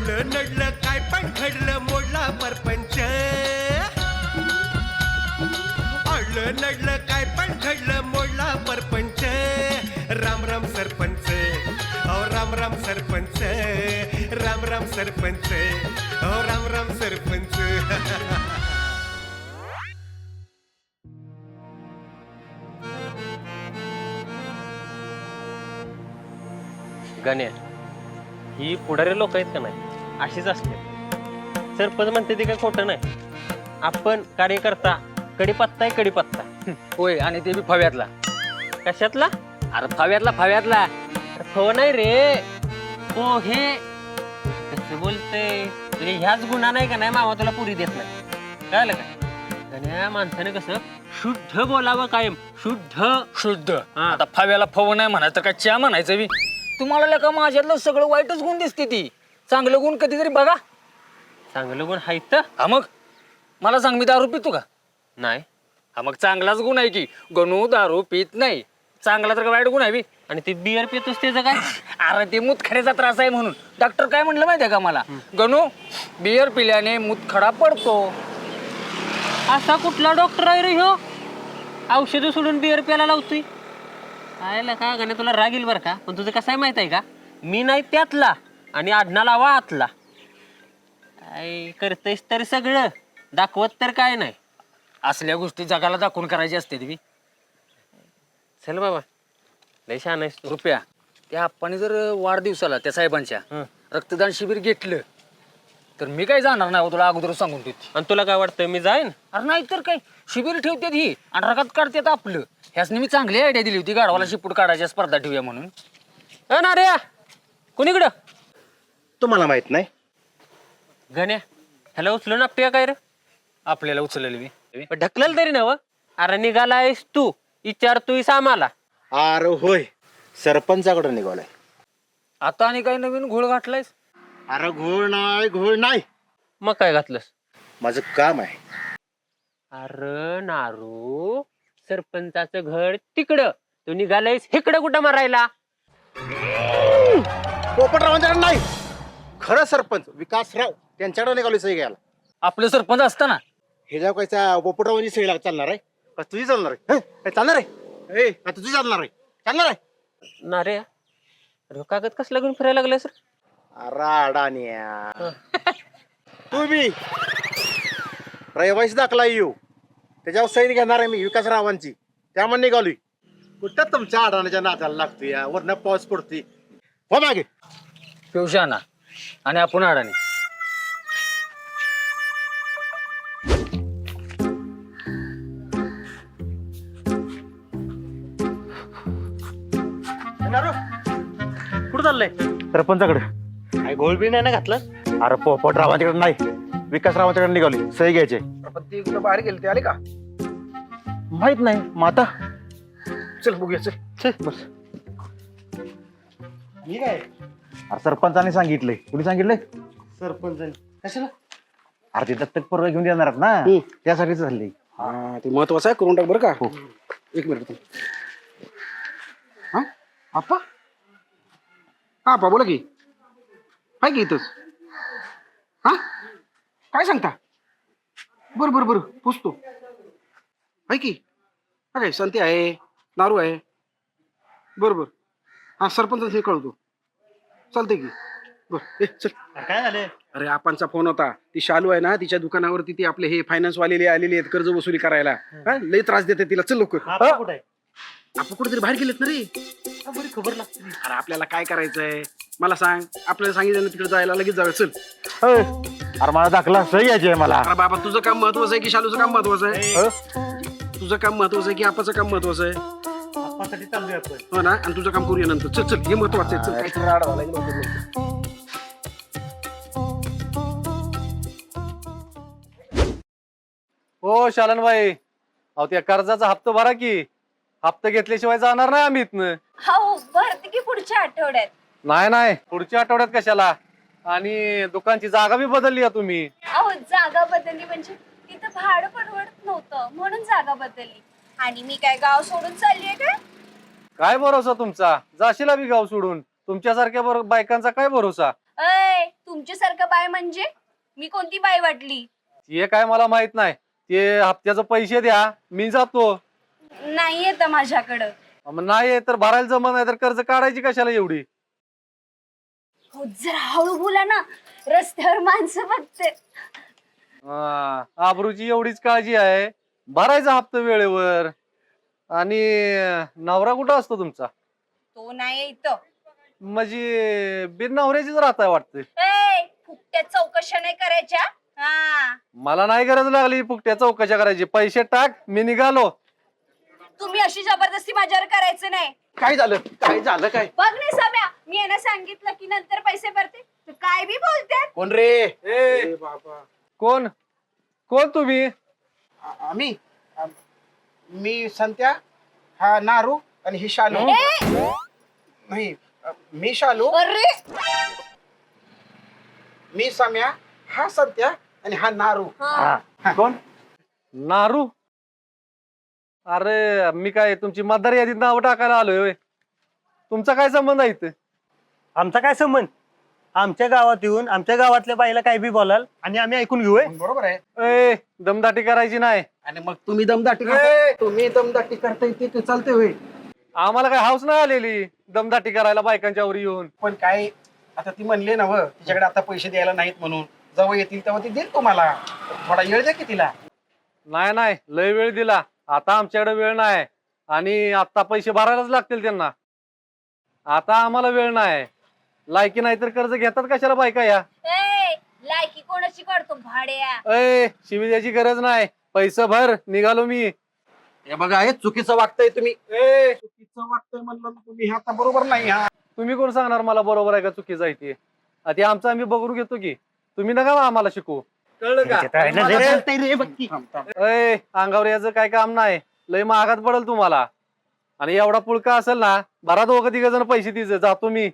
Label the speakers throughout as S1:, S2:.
S1: आलं नडलं काय पण घडलं मोडला परपंच आलं नडलं काय पण घडलं मोडला परपंच राम राम सरपंच अहो राम राम सरपंच राम राम सरपंच अहो राम राम सरपंच
S2: गण्या ही पुढारी लोक आहेत का नाही अशीच असते सरपंच म्हणते ते काही खोटं नाही आपण कार्यकर्ता कडीपत्ता आहे कडीपत्ता
S3: होय आणि ते बी फव्यातला.
S2: कशातला
S3: अरे फव्यातला.
S2: अरे फव नाही रे हो हे कसं बोलतय तुझे ह्याच गुन्हा नाही का नाही मामा तुला पुरी देत नाही कळलं का गण्या माणसाने कसं शुद्ध बोलावं कायम शुद्ध
S3: आता फव्याला फव नाही म्हणायचं तर काय च्या म्हणायचं बी. तुम्हाला का माझ्यातलं सगळं वाईटच गुण दिसते ती. चांगलं गुण कधीतरी बघा.
S2: चांगलं गुण हायत
S3: हा मग मला सांग मी दारू पितो का?
S2: नाही
S3: हा मग चांगलाच गुण आहे की गणू दारू पित नाही. चांगला तर का वाईट गुण आहे बी.
S2: आणि ते बियर पितोस त्याचं काय
S3: अरे ते मुतखड्याचा त्रास आहे म्हणून डॉक्टर काय म्हणलं माहितीये का मला गणू बियर पिल्याने मुतखडा पडतो.
S2: असा कुठला डॉक्टर आहे रे ह्यो औषध सोडून बियर प्यायला लावतोय आयला का गण्या तुला राग येईल बरं का पण तुझं कसं आहे माहित आहे का मी नाही त्यातला आणि आडना लावा आतला काय करतेस तर सगळं दाखवत तर काय नाही
S3: असल्या गोष्टी जगाला दाखवून करायची असते ती.
S2: चल बाबा लय छान आहेस तू
S3: रुपया त्या आप्पाने जर वाढदिवसाला त्या साहेबांच्या रक्तदान शिबिर घेतलं तर मी काय जाणार नाही हो, तुला अगोदर सांगून देते.
S2: आणि तुला काय वाटतं मी जाईन
S3: अरे नाही तर काय शिबिर ठेवतात ही आणि रकात काढतात आपलं. ह्यासनी मी चांगली आयडिया दिली होती गाढवाला शिपूट काढायच्या स्पर्धा ठेवूया म्हणून.
S2: ना रे कुणीकडं
S4: तुम्हाला माहित नाही
S2: गण्या ह्याला उचलून आपटे काय रे
S3: आपल्याला उचललेली मी
S2: ढकलेल तरी ना अरे निघालायस तू विचारतोयस आम्हाला
S4: अरे होय सरपंचाकडे निघालाय.
S3: आता आणि काही नवीन घोळ घातलायस?
S4: अरे घोळ नाही
S2: मग काय घातलंस
S4: माझं काम आहे.
S2: अरे नारू सरपंचाचं घर तिकडं तू निघालायस इकडं कुठं मारायला
S4: पोपटरावांच्याकडे नाही खरं सरपंच विकासराव त्यांच्याकडे निघालोय सही घ्यायला.
S3: आपलं सरपंच असताना
S4: हे जेव्हा कायचा पोपटरावांची सही चालणार आहे का तुझी चालणार आहे काय चालणार आहे ए का तुझी चालणार आहे चालणार आहे
S2: ना रे अरे कागद कसला घेऊन फिरायला लागलाय सर
S4: अरे अडाण्या तू बी रहिवासी दाखला येऊ त्याच्यावर सही घेणार आहे मी विकासरावांची त्यामुळे निघालोय. कुठं तुमच्या अडाण्याच्या नादाला लागतोय या वरनं पाऊस पडतोय हो मागे
S3: पिवशाना आणि आपण अडाणी.
S2: कुठं चाललंय
S4: सरपंचाकडे
S2: काय गोळबी नाही ना घातलं
S4: अरे पोपटरावांच्याकडे नाही विकासरावांच्याकडे निघाली सही घ्यायचे.
S5: पण ते कुठं बाहेर गेले ते आले का?
S4: माहित नाही माता
S5: चल बघूया चल
S4: बस मी काय अरे सरपंचाने सांगितलंय कुणी सांगितलंय सरपंचाने कशाला अरे ते दत्तक परवा घेऊन येणार आहेत ना त्यासाठीच झाले.
S5: हा ते महत्वाचं आहे करून टाक बरं का. एक मिनिट हा आप्पा हा आप्पा बोला की आहे की इथंच हा काय सांगता बरं बरं बरं पोचतो आहे की हा काय संती आहे नारू आहे बरं बरं हा सरपंच हे कळवतो चालतंय की बरं चल
S4: काय झालं
S5: अरे आपणचा फोन होता ती शालू आहे ना तिच्या दुकानावरती ती आपले हे फायनान्स वालेले आलेले आहेत कर्ज वसुली करायला हा लई त्रास देते तिला चल लवकर आपण कुठेतरी बाहेर गेलेत ना रे बरी खबर लागते अरे आपल्याला काय करायचंय मला सांग आपल्याला सांगितलं ना तिकडे जायला लगेच जाऊया चल
S4: अरे मला दाखला सही घ्यायची आहे मला.
S5: अरे बाबा तुझं काम महत्वाचं आहे की शालूचं काम महत्वाचं आहे तुझं काम महत्वाचं आहे की आपाचं काम महत्वाचं आहे हो ना आणि तुझं काम करूया नंतर चल चल हे महत्वाचं आहे चल काहीतरी राड झाला लवकर
S6: हो शालन भाई अहो त्या कर्जाचा हप्ता भरा की हप्ता घेतल्याशिवाय जाणार नाही आम्ही इथनं.
S7: हो भरते की पुढच्या आठवड्यात
S6: नाही पुढच्या आठवड्यात कशाला आणि दुकानची जागा बी बदलली आहे तुम्ही.
S7: अहो जागा बदलली म्हणजे तिथं भाडं परवडत नव्हतं म्हणून जागा बदलली आणि मी काय गाव सोडून चाललीये का
S6: काय भरोसा तुमचा जाशीला बी गाव सोडून तुमच्यासारख्या बायकांचा काय भरोसा.
S7: अय तुमच्यासारखं बाय म्हणजे मी कोणती बाय वाटली?
S6: ते काय मला माहित नाही. ते हप्त्याचं पैसे द्या, मी जातो.
S7: नाही येत माझ्याकडं.
S6: मग नाही तर भरायला जमत नाही तर कर्ज काढायची कशाला एवढी?
S7: हो जरा हळू बोला ना, रस्त्यावर माणसं बघते.
S6: आबरूची एवढीच काळजी आहे. भरायचा हप्ता वेळेवर. आणि नवरा कुठं असतो तुमचा?
S7: तो नाही इथं.
S6: म्हणजे बिन नवऱ्याचीच राहताय वाटतं.
S7: ए फुकट्या चौकशा नाही करायच्या. हा
S6: मला नाही गरज लागली फुकट्या चौकशा करायची. पैसे टाक, मी निघालो.
S7: तुम्ही अशी जबरदस्ती माझ्यावर करायचं नाही.
S5: काय झालं काय
S7: बघ नाही सम्या, मी यांना सांगितलं की नंतर पैसे भरते तर काय बी बोलतात.
S5: कोण रे?
S6: ए,
S5: बाबा
S6: कोण कोण तुम्ही?
S5: आम्ही मी संत्या, हा नारू आणि ही शालू. नाही मी शालू,
S7: अरे
S5: मी सम्या, हा संत्या आणि हा नारू.
S6: कोण? नारू? अरे मी काय तुमची मतदार यादीत नाव टाकायला आलोय होय. तुमचा काय संबंध आहे इथं?
S8: आमचा काय संबंध? आमच्या गावात येऊन आमच्या गावातल्या बाईला काय बी बोलाल आणि आम्ही ऐकून घेऊय.
S5: बरोबर आहे.
S6: ए दमदाटी करायची नाही.
S5: आणि मग तुम्ही दमदाटी करताय ते चालते होय.
S6: आम्हाला काय हाऊस नाही आलेली दमदाटी करायला बायकांच्या वर येऊन.
S5: पण काय आता ती म्हणले ना व तिच्याकडे आता पैसे द्यायला नाहीत म्हणून, जेव्हा येतील तेव्हा ती देईल तुम्हाला. थोडा वेळ द्या की तिला.
S6: नाही लय वेळ दिला. आता आमच्याकडे वेळ नाही आणि आता पैसे भरायलाच लागतील त्यांना. आता आम्हाला वेळ नाही. लायकी नाही तर कर्ज घेतात कशाला बायका या?
S7: ए लायकी कोणाची काढतो भाड्या?
S6: ए शिवी द्यायची गरज नाही. पैसे भर, निघालो मी.
S5: हे बघा हे चुकीचं वागताय तुम्ही. चुकीचं वागताय म्हणलं तुम्ही, हे आता बरोबर नाही. हा
S6: तुम्ही कोण सांगणार मला बरोबर आहे का चुकीचं आहे ते? ते आमचं आम्ही बघून घेतो की. तुम्ही नका आम्हाला शिकू, कळलं का? ए अंगावर याचं काय काम नाही. लय महागात पडेल तुम्हाला. आणि एवढा पुळका असेल ना, भरा दोघं तिघ जण पैसे तिचे. जातो मी.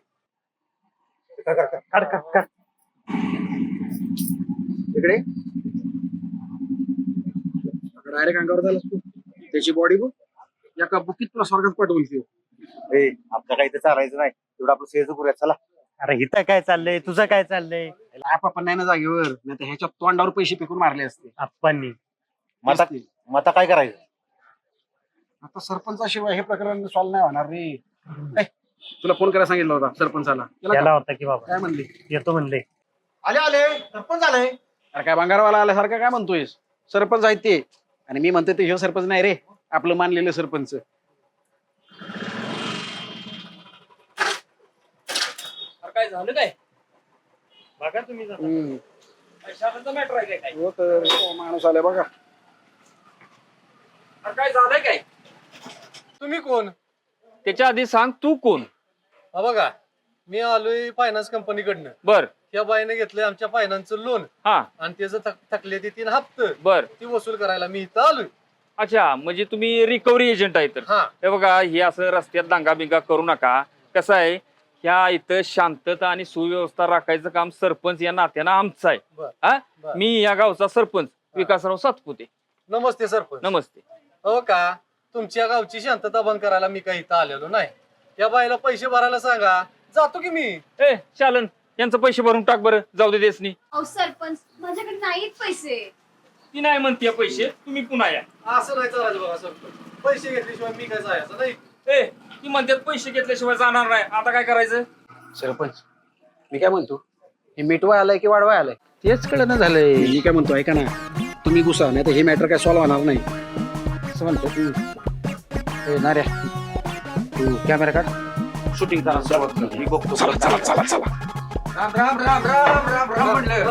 S5: इकडे डायरेक्ट अंगावर झालास तू. त्याची बॉडी बघ, एका बुकीत तुला स्वर्गात पाठवून ती.
S4: आपलं काही तर चालायचं नाही. तेवढं आपलं सेज करूया चला.
S8: अरे इथं काय चाललंय, तुझं काय चाललंय?
S5: आपण नाही ना जागेवर, नाही तर ह्याच्या तोंडावर पैसे फेकून मारले असते.
S8: आप्पांनी
S4: मता काय करायचं?
S5: आता सरपंचाशिवाय हे प्रकरण सॉल्व्ह नाही होणार रे. ए, तुला फोन करायला सांगितलं होता सरपंचाला. केला
S8: त्याला
S5: का?
S8: होता की बाबा
S5: काय म्हणले?
S8: येतो म्हणले.
S4: आले सरपंच आले.
S5: अरे काय भंगारवाला आल्यासारखं काय म्हणतोय? सरपंच आहेत ते. आणि मी म्हणतोय ते ह्यो सरपंच नाही रे, आपलं मानलेलं सरपंच.
S3: काय झालं काय?
S8: बघा तुम्ही जरा.
S3: मॅटर आहे काय?
S5: हो तर माणूस आलाय बघा.
S3: काय झालंय काय?
S6: तुम्ही कोण?
S3: त्याच्या आधी सांग तू कोण?
S6: हा बघा, मी आलोय फायनान्स कंपनीकडनं.
S3: बर
S6: त्या बाईने घेतलंय आमच्या फायनान्सचं लोन
S3: हा
S6: आणि त्याचं थकले ते 3 हप्ते
S3: बर.
S6: ती वसूल करायला मी इथं आलोय.
S3: अच्छा, म्हणजे तुम्ही रिकव्हरी एजंट आहे तर.
S6: हा
S3: हे बघा, हे असं रस्त्यात दांगा बिंगा करू नका. कसं आहे, ह्या इथं शांतता आणि सुव्यवस्था राखायचं काम सरपंच या नात्यानं आमचं आहे.
S6: बर.
S3: हा
S6: बर.
S3: मी या गावचा सरपंच विकासराव सातपुते.
S6: नमस्ते सरपंच.
S3: नमस्ते.
S6: हो का, तुमच्या गावची शांतता बंद करायला मी काही इथं आलेलो नाही. त्या बाईला पैसे भरायला सांगा, जातो की मी.
S3: ए चालन, यांचं पैसे भरून टाक बरं. जाऊ दे देसनी.
S7: अहो सरपंच माझ्याकडे नाहीत पैसे.
S3: ती नाही म्हणते पैसे, तुम्ही पुन्हा या.
S6: असं नाही चालायचं बघा सरपंच. पैसे घेतल्याशिवाय मी काय जायचं नाही.
S3: ए ती म्हणतात पैसे घेतल्याशिवाय जाणार नाही. आता काय करायचं?
S5: सरपंच मी काय म्हणतो, हे मिटवाय आलाय की वाढवाय आलाय तेच कळलं झालंय. मी काय म्हणतो ऐका ना, तुम्ही गुसा नाही तर हे मॅटर काय सॉल्व्ह होणार नाही. असं म्हणतो तू. ए नाऱ्या, तू कॅमेरा काढ, शूटिंग करा. मी बघतो. चला चला चला. राम राम राम राम राम राम म्हणलं.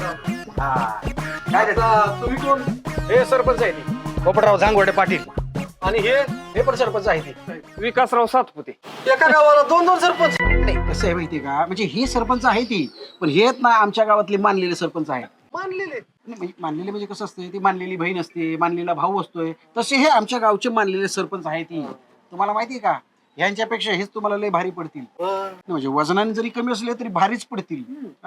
S5: काय
S6: तुम्ही कोण?
S5: हे सरपंच आहे ती पोपटराव झांगवडे पाटील.
S6: आणि
S5: हे पण सरपंच आहे ती.
S3: विकासराव सातपुते.
S6: एका गावाला 2-2 सरपंच.
S5: नाही कसं आहे माहितीये का, म्हणजे ही सरपंच आहे ती, पण हे ना आमच्या गावातले मानलेले सरपंच आहे.
S6: मानलेले
S5: मानलेले म्हणजे कसं असतं, ती मानलेली बहीण असते, मानलेला भाऊ असतोय, तसे हे आमच्या गावचे मानलेले सरपंच आहे ती. तुम्हाला माहितीये का, ह्यांच्यापेक्षा हेच तुम्हाला लय भारी पडतील. म्हणजे वजनाने जरी कमी असले तरी भारीच पडतील.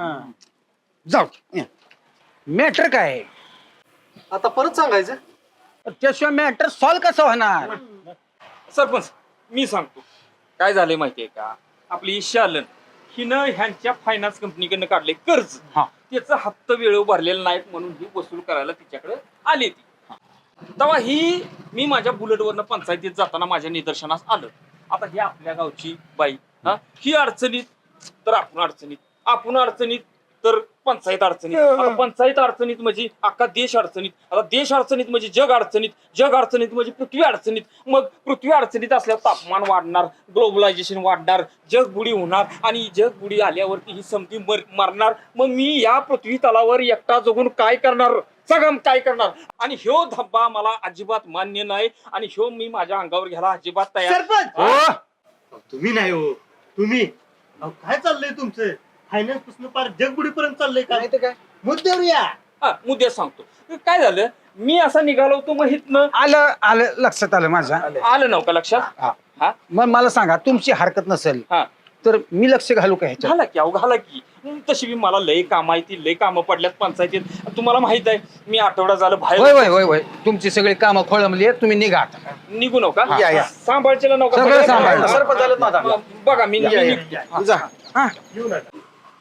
S5: जाऊ मॅटर काय आहे?
S6: आता परत सांगायचं.
S5: त्याशिवाय मॅटर सॉल्व्ह कसं होणार?
S3: सरपंच मी सांगतो काय झालंय माहितीये का. आपली शालन हिनं ह्यांच्या फायनान्स कंपनीकडनं काढले कर्ज.
S5: हा.
S3: त्याचा हप्ता वेळेवर भरलेला नाहीत म्हणून ही वसूल करायला तिच्याकडे आली ती. तेव्हा ही मी माझ्या बुलेटवरनं पंचायतीत जाताना माझ्या निदर्शनास आलं. आता ही आपल्या गावची बाई, हा, ही अडचणीत तर आपण अडचणीत तर पंचायत अडचणीत. आता पंचायत अडचणीत म्हणजे अख्खा देश अडचणीत. आता देश अडचणीत म्हणजे जग अडचणीत म्हणजे पृथ्वी अडचणीत. मग पृथ्वी अडचणीत असल्यावर तापमान वाढणार, ग्लोबलायझेशन वाढणार, जग बुडी होणार आणि जग बुडी आल्यावरती ही समधी मरणार. मग मी या पृथ्वी तलावर एकटा जगून काय करणार, सगळं काय करणार? आणि ह्यो धब्बा मला अजिबात मान्य नाही आणि ह्यो मी माझ्या अंगावर घ्यायला अजिबात तयार.
S8: सरपंच तुम्ही नाही हो, तुम्ही अहो, काय चाललंय तुमचं? फायनान्स पासून पार जगबुडीपर्यंत चाललंय का?
S5: नाही तर काय
S8: मुद्द्यावर या.
S3: मुद्दे सांगतो काय झालं. मी असा निघालो होतो मग हितनं
S5: आलं लक्षात आलं माझ्या.
S3: आलं नव्हतं लक्षात. हा
S5: मग मला सांगा तुमची हरकत नसेल
S3: हा
S5: तर मी लक्ष घालू का ह्याच्यात?
S3: घाला की, अहो घाला की. तशी बी मला लय काम आहे, ती लय कामं पडल्यात पंचायतीत. तुम्हाला माहित आहे मी आठवडा झालं
S5: होय
S3: बाहेर.
S5: होय होय होय तुमची सगळी कामं खोळंबली आहेत, तुम्ही निघा आता.
S3: निघू नका.
S5: या.
S3: सांभाळचेला नका.
S5: सगळं सांभाळलं.
S8: सरपंच आलेत माझा.
S3: बघा मी
S8: या.
S3: निघतो.
S5: जा. हा.
S8: येऊ नका.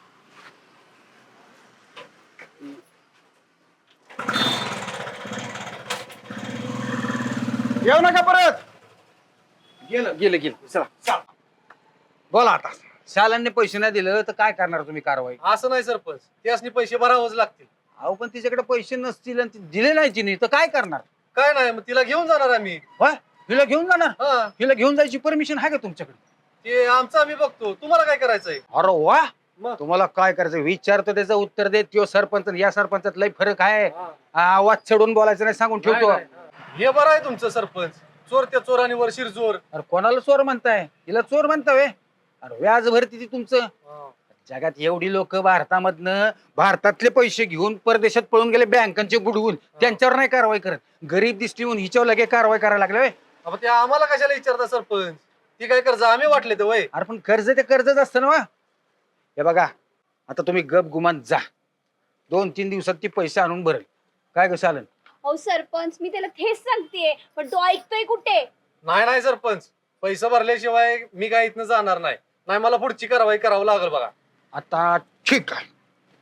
S5: येऊ नका परत. गेलं चला बोला आता. शालांनी पैसे नाही दिलं तर काय करणार तुम्ही कारवाई?
S6: असं नाही सरपंच, त्यासनी पैसे भरावंच लागतील.
S5: अहो पण तिच्याकडे पैसे नसतील आणि ती दिले नाही तिने तर काय करणार?
S6: काय नाही, मग तिला घेऊन जाणार आम्ही.
S5: होय हिला घेऊन जाणार?
S6: हा,
S5: हिला घेऊन जायची परमिशन आहे का तुमच्याकडे?
S6: ते आमचं आम्ही बघतो, तुम्हाला काय करायचंय?
S5: अरे वा,
S6: मग?
S5: तुम्हाला काय करायचं विचारतो त्याचं उत्तर देत. तो सरपंच आणि या सरपंचात लय फरक आहे. आवाज चढून बोलायचं नाही सांगून ठेवतो.
S6: नाही, नाही. हे बरं आहे तुमचं सरपंच. चोर त्या चोराने वर शिरजोर.
S5: अरे कोणाला चोर म्हणताय? हिला चोर म्हणताय? अरे व्याज भरती ती तुमचं. जगात एवढी लोक भारतातले पैसे घेऊन परदेशात पळून गेले बँकांचे बुडवून, त्यांच्यावर नाही कारवाई करत. गरीब दिसली म्हणून हिच्यावर लगे कारवाई करायला लागले.
S6: अब ते आम्हाला कशाला विचारता सरपंच? ती काय कर्ज आम्ही वाटले तर वय.
S5: अरे पण कर्ज ते कर्जच असतं ना. हे बघा आता तुम्ही गप गुमान जा. 2-3 दिवसात ती पैसे आणून भरेल. काय कसं आलं?
S7: अहो सरपंच मी त्याला तेच सांगतेय पण तो ऐकतोय कुठे?
S6: नाही सरपंच, पैसा भरल्याशिवाय मी काय इथनं जाणार नाही. नाही मला पुढची कारवाई करावं लागेल बघा.
S5: आता ठीक आहे,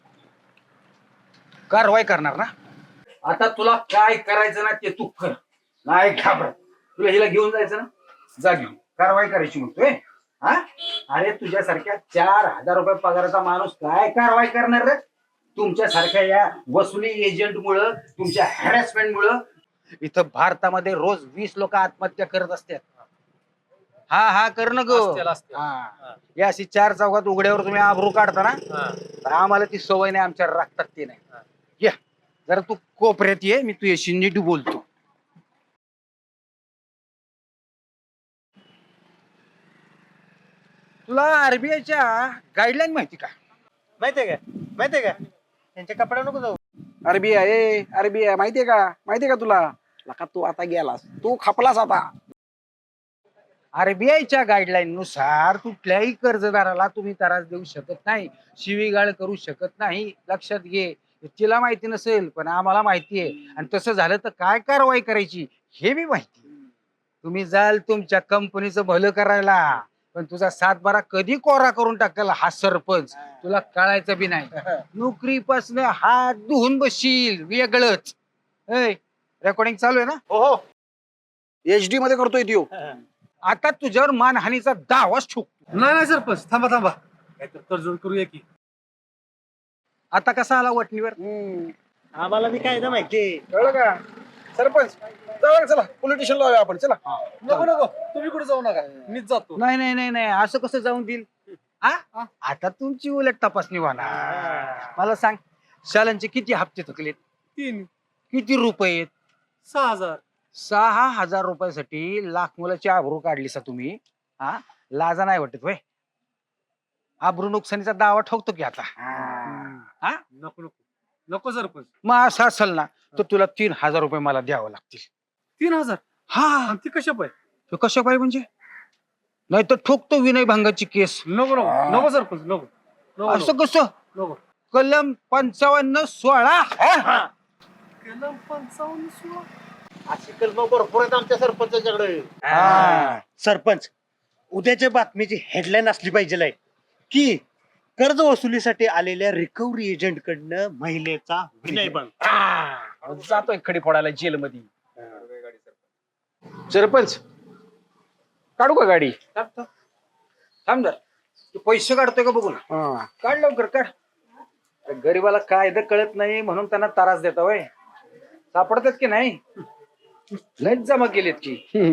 S5: कारवाई करणार ना. आता तुला काय करायचं ना ते तू कर. नाही घाबरत. तुला हिला घेऊन जायचं ना, जा घेऊन. कारवाई करायची म्हणतोय. हा अरे तुझ्यासारख्या 4,000 रुपये पगाराचा माणूस काय कारवाई करणार रे? तुमच्यासारख्या या वसुली एजंट मुळे, तुमच्या हॅरेसमेंट मुळे इथं भारतामध्ये रोज 20 लोक आत्महत्या करत असतात. हा कर ना गो.
S6: असतील.
S5: या अशी 4 चौकात उघड्यावर तुम्ही आबरू काढता ना,
S6: हा.
S5: तर आम्हाला ती सवय नाही, आमच्या रक्तात ते नाही. या जरा तू कोपऱ्यात ये, मी तुझ्याशी नीट बोलतो. तुला आरबीआयच्या गाईडलाईन माहिती का?
S8: माहितीये का त्यांच्या कपड्या नको जाऊ.
S5: आरबीआय माहितीये का तुला? लका तू आता गेलास, तू खपलास आता. आरबीआयच्या गाईडलाईन नुसार कुठल्याही कर्जदाराला तुम्ही त्रास देऊ शकत नाही, शिवीगाळ करू शकत नाही. लक्षात घे. तिला माहिती नसेल पण आम्हाला माहिती आहे. आणि तसं झालं तर काय कारवाई करायची हे बी माहिती. तुम्ही जाल तुमच्या कंपनीचं भलं करायला, पण तुझा 7-12 कधी कोरा करून टाकला हा सरपंच तुला कळायचं बी नाही. नोकरीपासून हात धुवून बसशील वेगळंच. रेकॉर्डिंग चालू आहे ना?
S8: हो
S5: HD मध्ये करतोय त्यो. आता तुझ्यावर मानहानीचा दावाच ठोकतो.
S6: नाही सरपंच, थांबा काहीतरी तडजोड करूया की.
S5: आता कसा आला वटणीवर?
S8: आम्हाला बी काय माहिती.
S5: कळलं का सरपंच? चला पोलीस स्टेशन लावूया आपण. चला.
S6: नको तुम्ही कुठे जाऊ नका, मीच जातो.
S5: नाही असं कसं जाऊन देईल? आता तुमची उलट तपासणी होणार. मला सांग शालांचे किती हप्ते थकलेत?
S6: 3.
S5: किती रुपये?
S6: 6,000.
S5: 6,000 रुपयासाठी लाख मुलाची आबरू काढली सा तुम्ही. लाजा नाही वाटत होय? आबरू नुकसानीचा दावा ठोकतो की आता?
S6: नको सरपंच.
S5: मग असं असेल ना तर तुला 3,000 रुपये मला द्यावं लागतील.
S6: 3,000?
S5: हा.
S6: ती कशा पाय?
S5: कशा पाहिजे म्हणजे? नाही तर ठोकतो विनय भंगाची केस.
S6: नको सरपंच, नको.
S5: असं कसं?
S6: नको.
S5: कलम 55-16.
S6: कलम 55-16.
S8: अशी कलम भरपूर आहेत आमच्या सरपंचाच्याकडे. सरपंच उद्याच्या बातमीची हेडलाईन असली पाहिजे की कर्ज वसुलीसाठी आलेल्या रिकव्हरी एजंट कडनं महिलेचा विनयभंग.
S5: जातोय खडी फोडायला जेलमध्ये. सरपंच काढू का गाडी?
S9: थांब जरा. तू पैसे काढतोय का बघू ना. काढ लवकर काढ. गरीबाला कायदा कळत नाही म्हणून त्यांना त्रास देता वय. सापडतात की नाही? लयच जमा केलेत की.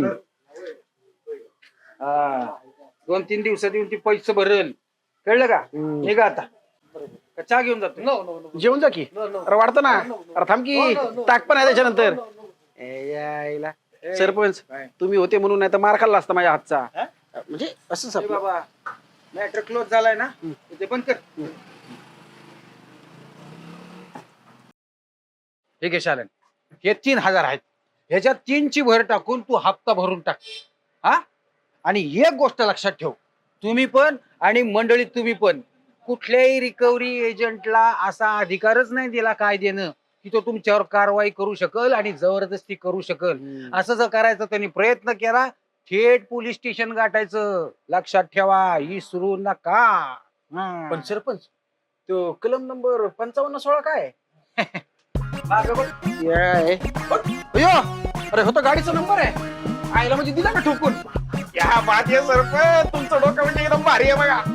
S9: हा 2-3 दिवसात येऊन ती पैसे भरेल. कळलं का? निघा आता. का चहा घेऊन जातो?
S5: जेवून जा की. अरे वाढतं ना. अरे थांब की. ताक पण आहे त्याच्यानंतर. यायला सरपंच तुम्ही होते म्हणून नाही तर मार खाल्ला असता माझ्या हातचा. म्हणजे असं
S9: ए बाबा मॅटर क्लोज झालाय ना, ते पण कर. ठीक आहे शालन, हे 3000 आहेत. ह्याच्यात 3ची भर टाकून तू हप्ता भरून टाक. हा आणि एक गोष्ट लक्षात ठेव, तुम्ही पण आणि मंडळीत तुम्ही पण कुठल्याही रिकव्हरी एजंटला असा अधिकारच नाही दिला कायद्यानं की तो तुमच्यावर कारवाई करू शकल आणि जबरदस्ती करू शकल. असं जर करायचं त्यांनी प्रयत्न केला थेट पोलीस स्टेशन गाठायचं. लक्षात ठेवा, ही सुरू नका.
S5: पण सरपंच तो कलम नंबर 55-16 काय?
S9: मागं बघ.
S5: अयो अरे होता गाडीचा नंबर आहे. आईला म्हणजे दिला का ठोकून? या बात आहे सरपंच, तुमचं डोकं म्हणजे एकदम भारी आहे बघा.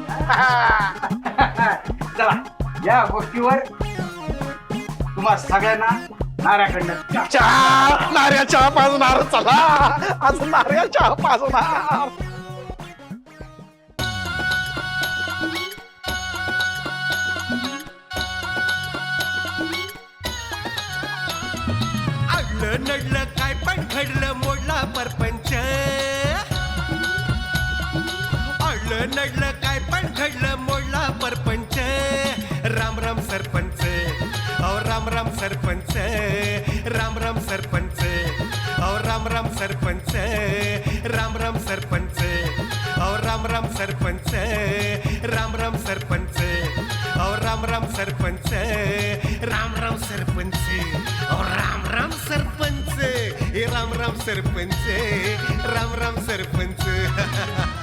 S9: चला या गोष्टीवर तुम्हा सगळ्यांना नाऱ्याकडनं
S5: चहा, नारळ चहा पाजणार. चला आज नारळ चहा पाजणार.
S1: अडलं नडलं काय पण घडलं मोडला परपंच. अडलं नडलं काय पण घडलं मोडला परपंच. राम राम सरपंच, अहो राम राम सरपंच. राम राम सरपंच, अहो राम राम सरपंच. राम राम सरपंच, अहो राम राम सरपंच. राम राम सरपंच, अहो राम राम सरपंच. राम राम सरपंच, अहो राम राम सरपंच. हे राम राम सरपंच, राम राम सरपंच.